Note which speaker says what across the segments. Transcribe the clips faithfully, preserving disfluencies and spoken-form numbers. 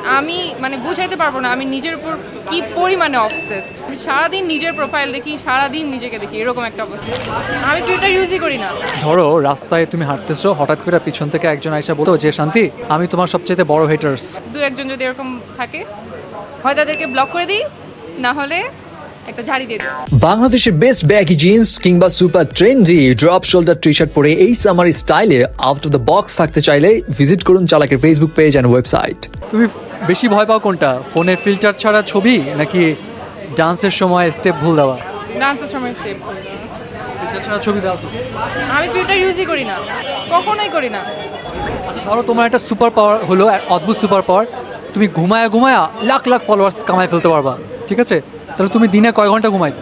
Speaker 1: আমি মানে বুঝাইতে পারবো না আমি নিজের উপর কি পরিমাণে অবসেসড। আমি সারাদিন নিজের প্রোফাইল দেখি, সারাদিন নিজেকে দেখি, এরকম একটা অবস্থা। আমি ফিল্টার ইউজই করি না।
Speaker 2: ধরো রাস্তায় তুমি হাঁটতেছো, হঠাৎ করে পিছন থেকে একজন আইসা বলতো যে শান্তি আমি তোমার সবচেয়ে বড় হেটার্স।
Speaker 1: দু একজন যদি এরকম থাকে, হয় তাদেরকে ব্লক করে দিই, না হলে একটা ঝাড়ি দিয়ে দিই।
Speaker 3: বাংলাদেশের বেস্ট ব্যাগি জিন্স কিংবা super trendy drop shoulder T shirt পরে এই সামার স্টাইলে আউট অফ দ্য বক্স থাকতে চাইলে ভিজিট করুন চালাকের ফেসবুক পেজ অ্যান্ড ওয়েবসাইট।
Speaker 2: তুমি বেশি ভয় পাও কোনটা, ফোনে ফিল্টার ছাড়া ছবি নাকি ডান্সের সময় স্টেপ ভুল দেওয়া?
Speaker 1: ডান্সের সময় সেভ।
Speaker 2: ফিল্টার ছাড়া ছবি দাও তো।
Speaker 1: আমি ফিল্টার ইউজই করি না, কখনোই করি না।
Speaker 2: আচ্ছা ধরো তোমার একটা সুপার পাওয়ার হলো, এক অদ্ভুত সুপার পাওয়ার, তুমি ঘুমায়া ঘুমায়া লাখ লাখ ফলোয়ার্স কামায় ফেলতে পারবা, ঠিক আছে? তাহলে তুমি দিনে কয় ঘন্টা ঘুমাইতে?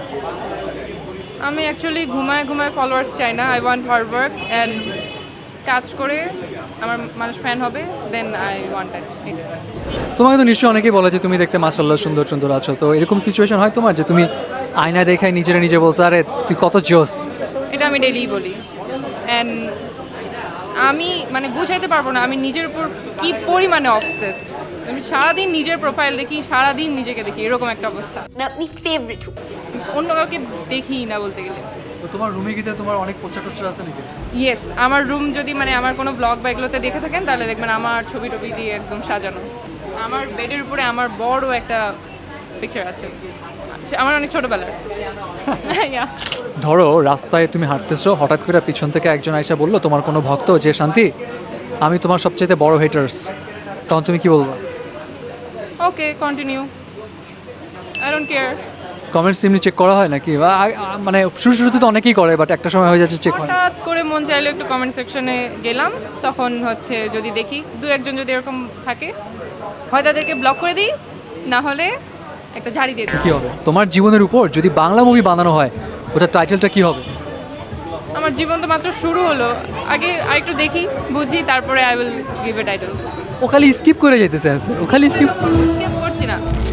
Speaker 1: আমি অ্যাকচুয়ালি ঘুমায় ঘুমায় ফলোয়ার্স চাই না। I want hard work and কাজ করে আমার মানুষ ফ্যান হবে, দেন আই ওয়ান্ট দ্যাট।
Speaker 2: তোমাকে তো নিশ্চয়ই অনেকেই বলে যে তুমি দেখতে মাশাআল্লাহ সুন্দর সুন্দর আছো, তো এরকম সিচুয়েশন হয় তোমার যে তুমি আয়না দেখায় নিজেরা নিজে বলছো আরে তুই কত জোস?
Speaker 1: এটা আমি ডেইলি বলি। অ্যান্ড আমি মানে বুঝাইতে পারবো না আমি নিজের উপর কি পরিমাণে অবসেসড। আমি সারাদিন নিজের প্রোফাইল দেখি, সারাদিন নিজেকে দেখি, এরকম একটা অবস্থা।
Speaker 4: না আপনি ফেভারিট
Speaker 1: অন্য কাউকে দেখি না বলতে গেলে।
Speaker 2: তো তোমার রুমে গিয়ে তোমার অনেক পোস্টার টোস্টার আছে নাকি?
Speaker 1: ইয়েস, আমার রুম যদি মানে আমার কোনো ব্লগ বা এগুলোতে দেখে থাকেন তাহলে দেখবেন আমার ছবি টবি দিয়ে একদম সাজানো। আমার বেডের উপরে আমার বড় একটা পিকচার আছে, সে আমার অনেক ছোটোবেলার। Yeah.
Speaker 2: ধরো রাস্তায় তুমি হাঁটতেছো, হঠাৎ করে পিছন থেকে একজন আইসা বললো তোমার কোনো ভক্ত যে শান্তি আমি তোমার সবচেয়ে বড় হেটার্স, তখন তুমি কি বলবো?
Speaker 1: Okay, continue, I don't care.
Speaker 2: Comments এমনি চেক করা হয় নাকি? বা আ- আ- মানে শুরু শুরুতে তো অনেকেই করে, বাট একটা সময় হয়ে যাচ্ছে চেক হয় না।
Speaker 1: হঠাৎ করে মন চাইলে একটু কমেন্ট সেকশনে গেলাম, তখন হচ্ছে যদি দেখি দু একজন যদি এরকম থাকে, হয় তাদেরকে ব্লক করে দিই, না হলে একটা ঝাড়ি দিয়ে দিই।
Speaker 2: কি হবে তোমার জীবনের উপর যদি বাংলা মুভি বানানো হয়, ওটার টাইটেলটা কি হবে?
Speaker 1: আমার জীবন তো মাত্র শুরু হলো, আগে আরেকটু দেখি, বুঝি, তারপরে I will give a title.
Speaker 2: ও খালি স্কিপ করে যেতেছে, ও খালি স্কিপ।
Speaker 1: স্কিপ করছি না।